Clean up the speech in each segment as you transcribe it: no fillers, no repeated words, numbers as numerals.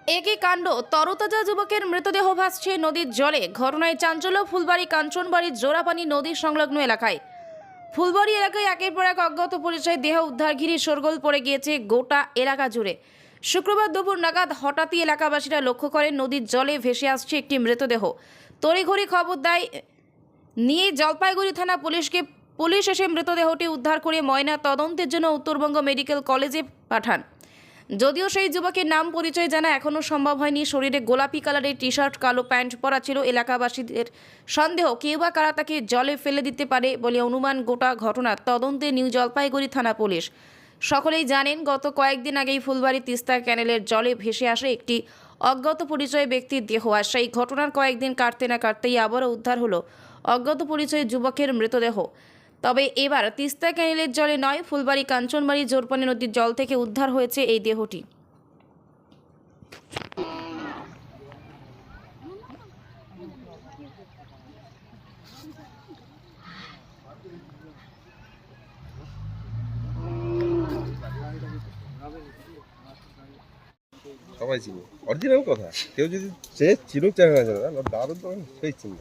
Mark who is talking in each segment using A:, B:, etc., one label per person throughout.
A: একই কাণ্ড, তরতাজা যুবকের মৃতদেহ ভাসছে নদীর জলে। ঘটনায় চাঞ্চল্য ফুলবাড়ি কাঞ্চনবাড়ির জোড়াপানি নদী সংলগ্ন এলাকায়। ফুলবাড়ি এলাকায় একের পর এক অজ্ঞাত পরিচয় দেহ উদ্ধার ঘিরে শোরগোল পড়ে গিয়েছে গোটা এলাকা জুড়ে। শুক্রবার দুপুর নাগাদ হঠাৎই এলাকাবাসীরা লক্ষ্য করেন নদীর জলে ভেসে আসছে একটি মৃতদেহ। তড়িঘড়ি খবর দেয় নিয়ে জলপাইগুড়ি থানা পুলিশ এসে মৃতদেহটি উদ্ধার করে ময়না তদন্তের জন্য উত্তরবঙ্গ মেডিকেল কলেজে পাঠান। যদিও সেই যুবকের নাম পরিচয় জানা এখনও সম্ভব হয়নি। শরীরে গোলাপি কালারের টি শার্ট, কালো প্যান্ট পরা ছিল। এলাকাবাসীদের সন্দেহ কেউ বা কারা তাকে জলে ফেলে দিতে পারে বলে অনুমান। গোটা ঘটনার তদন্তে নিউ জলপাইগুড়ি থানা পুলিশ। সকলেই জানেন, গত কয়েকদিন আগেই ফুলবাড়ি তিস্তা ক্যানেলের জলে ভেসে আসে একটি অজ্ঞাত পরিচয় ব্যক্তির দেহ। আর সেই ঘটনার কয়েকদিন কাটতে না কাটতেই আবারও উদ্ধার হলো অজ্ঞাত পরিচয় যুবকের মৃতদেহ। তবে এবার তিস্তা ক্যানেলের জলে নয়, ফুলবাড়ি কাঞ্চনবাড়ি জোরপানি নদীর জল থেকে উদ্ধার হয়েছে এই দেহটি।
B: সবাই চিনি, অরিজিনাল কথা। কেউ যদি সে চিনুক চায় না জানে না, দারুণ তো সেই চিনবে।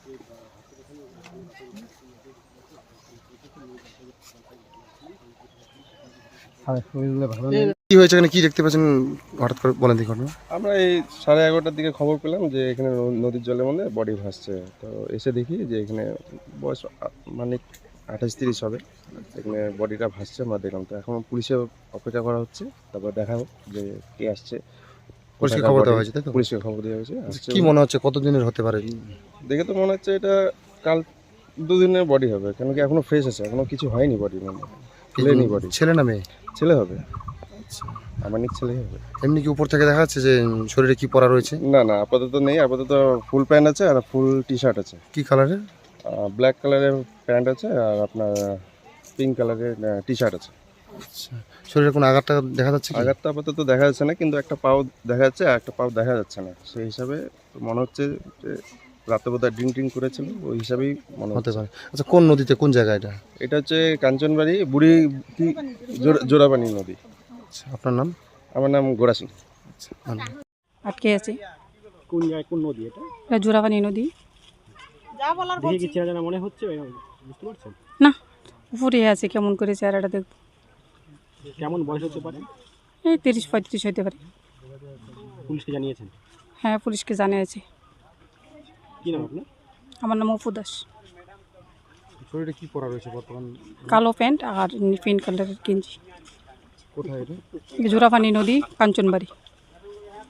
C: কি হয়েছে এখানে, কি দেখতে পাচ্ছেন হঠাৎ করে বলেন দেখুন।
B: আমরা এই 11:30টার দিকে খবর পেলাম যে এখানে নদীর জলের মধ্যে বডি ভাসছে। তো এসে দেখি যে এখানে বয়স মানে 28-30 হবে, এখানে বডিটা ভাসছে। আমরা দেখলাম, তো এখন পুলিশে অপেক্ষা করা হচ্ছে, তারপর দেখাবো যে কে আসছে।
C: পুলিশকে খবর দেওয়া হয়েছে, তাই তো?
B: পুলিশকে খবর দেওয়া হয়েছে।
C: কি মনে হচ্ছে কতদিনের হতে পারে?
B: দেখে তো মনে হচ্ছে এটা কাল 2 দিনের বডি হবে, কেন কি এখনো ফ্রেশ আছে, এখনো কিছু হয়নি বডি, মানে ফেলেনি বডি।
C: ছেলে না মেয়ে?
B: ছেলে হবে, আমার ছেলেই হবে।
C: এমনি কি উপর থেকে দেখা যাচ্ছে যে শরীরে কি পরা রয়েছে?
B: না না, আপাতত নেই। আপাতত ফুল প্যান্ট আছে আর ফুল টি শার্ট আছে।
C: কি কালারের?
B: ব্ল্যাক কালারের প্যান্ট আছে আর আপনার পিঙ্ক কালারের টি শার্ট আছে।
C: আচ্ছা, শরীরে কোনো আঘাতটা দেখা যাচ্ছে কি?
B: আঘাতটা আপাতত দেখা যাচ্ছে না, কিন্তু একটা পাও দেখা যাচ্ছে আর একটা পাও দেখা যাচ্ছে না। সেই হিসাবে মনে হচ্ছে যে রাতে বোধহয় ড্রিঙ্ক করেছিল, ওই হিসাবেই মনে
C: হতে
B: হতে
C: পারে। আচ্ছা, কোন নদীতে, কোন জায়গায় এটা?
B: এটা হচ্ছে কাঞ্চনবাড়ি বুড়ি জোড়াপানি নদী।
C: আচ্ছা, আপনার নাম?
B: আমার নাম গোরা সিং।
D: আটকে আছে।
E: কোন জায়গায়, কোন নদী এটা?
D: এটা জোড়াপানি নদী।
E: দেখে কি চেনা জানা মনে হচ্ছে, বুঝতে পারছেন?
D: না, উপরে আছে, কেমন করে চেহারাটা দেখব।
E: কেমন বয়স হতে পারে?
D: এই 30-35 হতে পারে।
E: পুলিশকে জানিয়েছেন?
D: হ্যাঁ, পুলিশকে জানিয়েছে।
E: কি নাম আপনার?
D: আমার নাম অপু দাস।
C: শরীরে কি পরা রয়েছে বর্তমান?
D: কালো প্যান্ট আর পিঙ্ক কালারের গেঞ্জি।
C: কোথায় এটা?
D: জোড়াপানি নদী, কাঞ্চনবাড়ি।